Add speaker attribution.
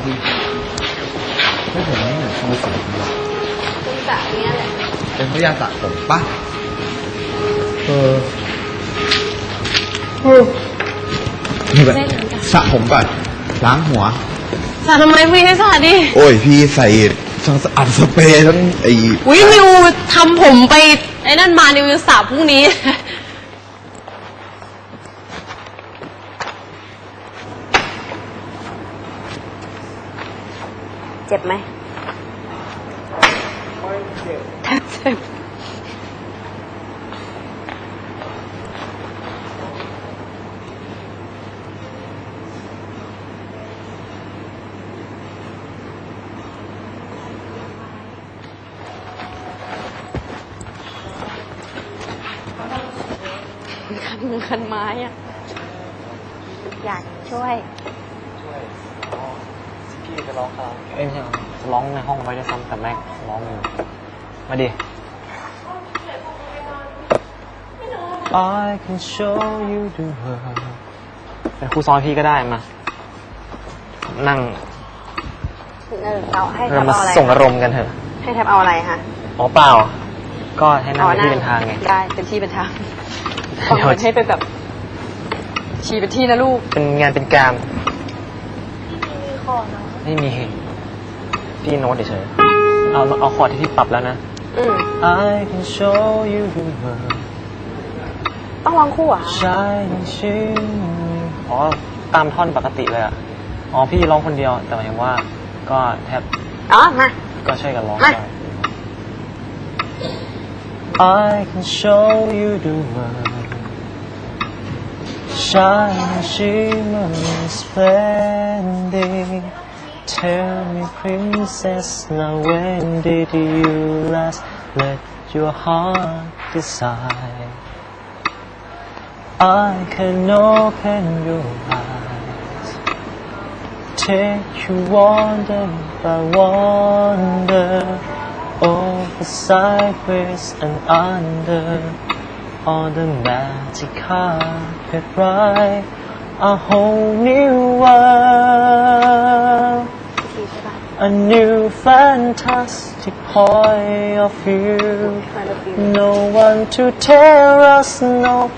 Speaker 1: พี่ไม่ผมไม่เหมือนมือสีเลย
Speaker 2: คุณสระเนี้ยแหละ
Speaker 1: เป็นพยาสระผมปะนี่แบบสระผมก่อนล้างหัว
Speaker 2: สระทำไมพี่ให้สระดิ
Speaker 1: โอ้ยพี่ใส่ทั้งอัดสเปรย์ทั้งไอ้
Speaker 2: อุ้ยนิวทำผมไปไอ้นั่นมานิวจะสระพรุ่งนี้ เจ็บไหมเจ็บคันมือคันไม้อะอยากช่วย
Speaker 3: พี่จะร้องคาราโอเกะไม่ใช่จะร้องในห้องไว้ด้วยซ้ำแต่แม็กร้องอยู่มาดิ I can show you the world เป็นครูซ้อนพี่ก็ได้มานั่ง
Speaker 2: เราให้แท
Speaker 3: เรา
Speaker 2: บ
Speaker 3: มา
Speaker 2: เอาอะไร
Speaker 3: ส่งอารมณ์กันเถอะ
Speaker 2: ให้แทบเอาอะไรคะ
Speaker 3: อ๋อเปล่า ก็ให้นั่งเป็นที่เป็นทางไง
Speaker 2: ได้เป็นที่เป็นทาง
Speaker 3: เดี๋ยว
Speaker 2: ให้เป็นแบบชีเป็นที่นะลูก
Speaker 3: เป็นงานเป็นการ
Speaker 2: มีคอเนาะ
Speaker 3: ไม่มีพี่โน้ตเฉยๆเอาคอร์ดที่พี่ปรับแล้วนะ I can show you the world
Speaker 2: ต้องร้องคู่อ่ะ
Speaker 3: shining shining อ๋อตามท่อนปกติเลยอ่ะอ๋อพี่ร้องคนเดียวแต่หมายถึงว่าก็แทบ
Speaker 2: อ๋อมา
Speaker 3: ก็ช่วยกันร้อง
Speaker 2: มา
Speaker 3: ได้ I can show you the world shining shimmering splendid Tell me princess now when did you last let your heart decide I can open your eyes Take you wonder by wonder Over sideways and under On the magic carpet ride A whole new world A new fantastic point of view No one to tell us no